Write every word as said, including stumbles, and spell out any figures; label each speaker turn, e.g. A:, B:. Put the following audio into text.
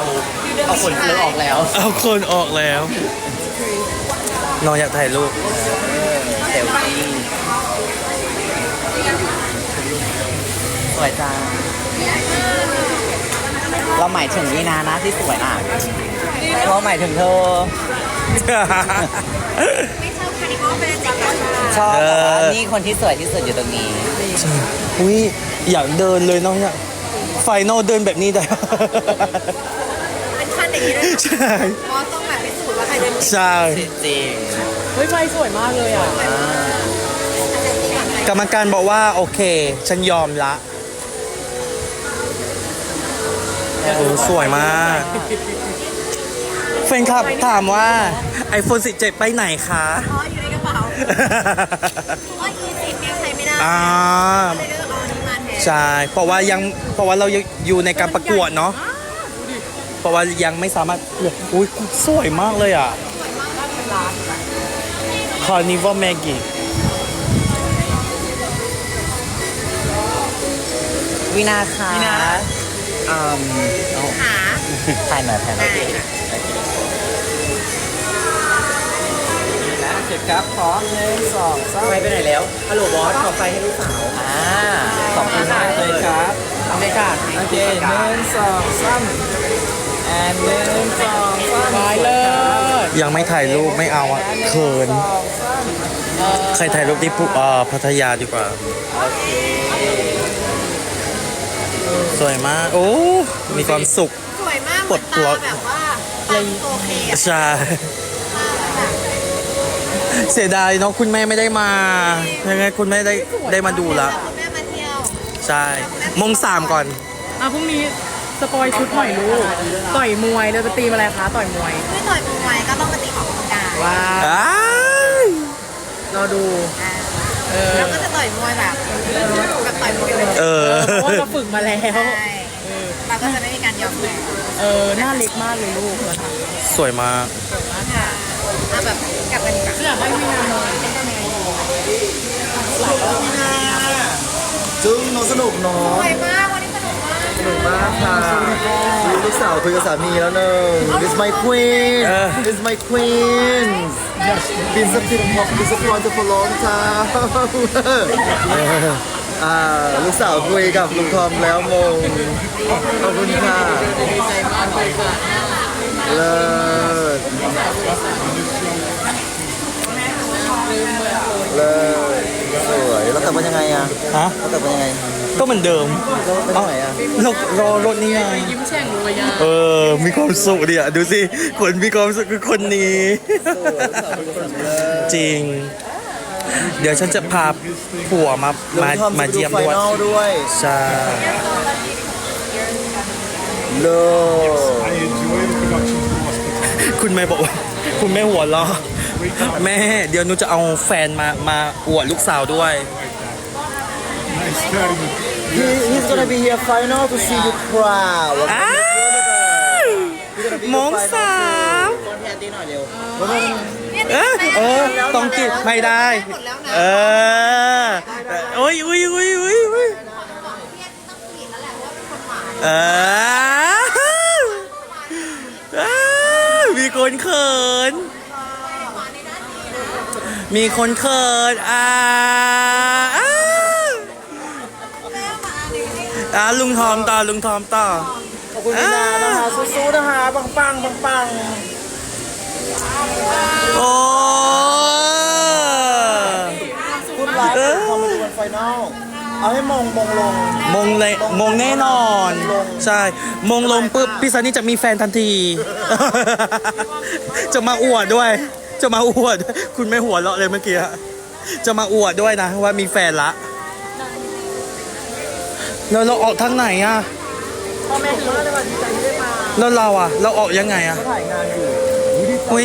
A: เอาคนเลือออกแล้ว
B: เอาคนออกแล้วน้องอยากถ่ายรูป
A: เซลฟี่สวยจังเราหมายถึงนี่นานะที่สวยอ่ะเราหมายถึงเธอ
C: ไม่ชอบคานิมอลเป็นเด็กกัน
A: ชอบ
B: เอ
A: แต่
B: อ
A: ว่านี่คนที่สวยที่สุดอยู่ตรงนี้
B: อุ้ยอยากเดินเลยน้องอยากไฟนอลเดินแบบนี้ได้
C: เป็นขั้นอย่างนี้เลย
B: ใช่
C: เพราะต้องแบบพิสูจน์ว่าใครเดิน
B: ใช่
A: จริง
D: เฮ้ยไฟสวยมากเลยอ่ะ
B: กรรมการบอกว่าโอเค ฉันยอมละโอ้สวยมากแฟนคลับถามว่า iPhone สิบเจ็ดไปไหนคะ
C: อ๋ออยู่ในกระเป๋าเพราะว่าอีสิบเนี่ยใช้ไม่ได้
B: อ่า
C: เลยเลือกเอาอันนี้มาแทน
B: ใช่เพราะว่ายังเพราะว่าเรายังอยู่ในการประกวดเนาะเพราะว่ายังไม่สามารถอุ้ยสวยมากเลยอ่ะ Carnival Maggie
A: วินาค่ะวินาอืม
C: หา
A: ถ่ายหน่อยถ่ายหน่อย
C: ได้ค่ะ
A: นะเสร็จครับพร้อมหนึ่งสองสามไปไปไหนแล้วฮัลโหลบอสขอไฟให้ลูกสาวอ่าขอบคุณมากเลยครับโอเคค่ะโอเคหนึ่งสองสามแอนหนึ่งสองสาม
D: ไปเลย
B: ยังไม่ถ่ายรูปไม่เอาอ่ะเขินใครถ่ายรูปที่ปุ๊เอ่อพัทยาดีกว่า
A: โอเค
B: สวยมากโอ้มีความสุข
C: สวยมาก
B: ปลดล็อก
C: ตาแบบว่าตาโอเคอะ
B: ใช่เสียดายเนาะคุณแม่ไม่ได้มายังไงคุณแม่ได้ได้มาดูละ
C: คุณแม่มาเที่ยว
B: ใช่มงสามก่อน
D: อ่ะพรุ่งนี้สปอยชุดหน่อยลูกต่อยมวยเราจะตีมอะไรคะต่อยมวย
C: คือต่อยมวยก็ต้องมาตีออกกำลังกาย
D: ว้า
B: อ้าย
D: รอดู
C: อ่า
D: เออ
C: แล้วก็จะต่อยมวยแบบแบบต่อยมวยเลย
B: เออ
D: เพราะว่าเราฝึกมาแล้ว
C: ใช่เราก็จะไม่มีการยอมแพ้
D: เออหน้าเล็กมากเลยลูกนะคะ
B: สวยมาก
C: ค่ะเอาแบบกลับกันดีกว่า
D: อยากให้วินาหน่อย
E: จึงน้องสนุกเนาะ
C: สวยมากวันนี้สนุกมาก
E: สนุกมากค่ะมีลูกสาวคุยกับสามีแล้วหนึ่ง This my queen
B: เออ
E: This my queen Been disappointed disappointed for long time อ่าลูกสาวคุยกับลุงทอมแล้วมงขอบคุณค่ะเลิศเลิศสวยแล้วแต่งเป็นยังไงอ่ะ
B: ฮะ
E: แล้วแต่งเป็นยังไง
B: ก็เหมือนเดิม
E: แล้วเป็นยังไงอ่ะ
B: เรารอรถนี่ไง
D: ยิ้มแฉ่งเลยอ่ะ
B: เออ มีความสุขดิอ่ะดูสิ คนมีความสุขคือคนนี้ จริง เดี๋ยวฉันจะพาผัวมา มา
E: ลุงทอ
B: มา
E: จะไป
B: เยี่ยม
E: ไฟ
B: ด้วย
E: นอลด้วย
B: ใช่
E: เลิศ
B: คุณแม่บอกว่า คุณแม่หัวเราะแม่ เดี๋ยวหนูจะเอาแฟนมา มาอวดลูกสาวด้วย
E: He, he's gonna be here final to see you proud
B: อ้าวมงสาม
A: คนแทนตีหน่อยเร็ว
B: เออเออต้องกินไม่ได้
C: หมดแล้วนะ
B: เออโอ้ยอุ้ยอุ้ยอุ้ยอุ้ย
C: พี่ต้องผิดแล้วแหละว่าเป็นคนหวาน
B: เอออ้าวมีคนเขิน มีคนเขินอ่าอ้าวอ่าลุงทอมต่อลุงทอมต่อ
E: ขอบคุณพี่นานะคะสู้ๆนะคะปังปังปังปัง
B: โอ้
E: คุณไลฟ์ทำมาดูวันไฟนอลเอาให้มงมงลง
B: มงเลยมงแน่นอน ใช่ มงลงปุ๊บพี่ซันนี่จะมีแฟนทันที จะมาอวดด้วย จะมาอวด คุณไม่หัวเราะเลยเมื่อกี้ จะมาอวดด้วยนะว่ามีแฟนละ แล้วเราออกทางไหนอ่ะ
D: พ่อแม่ถือว่าในวันดีใจที่ได้มา
B: แล้วเราอ่ะ เราออกยังไงอ่ะ
E: ถ่ายงานอยู่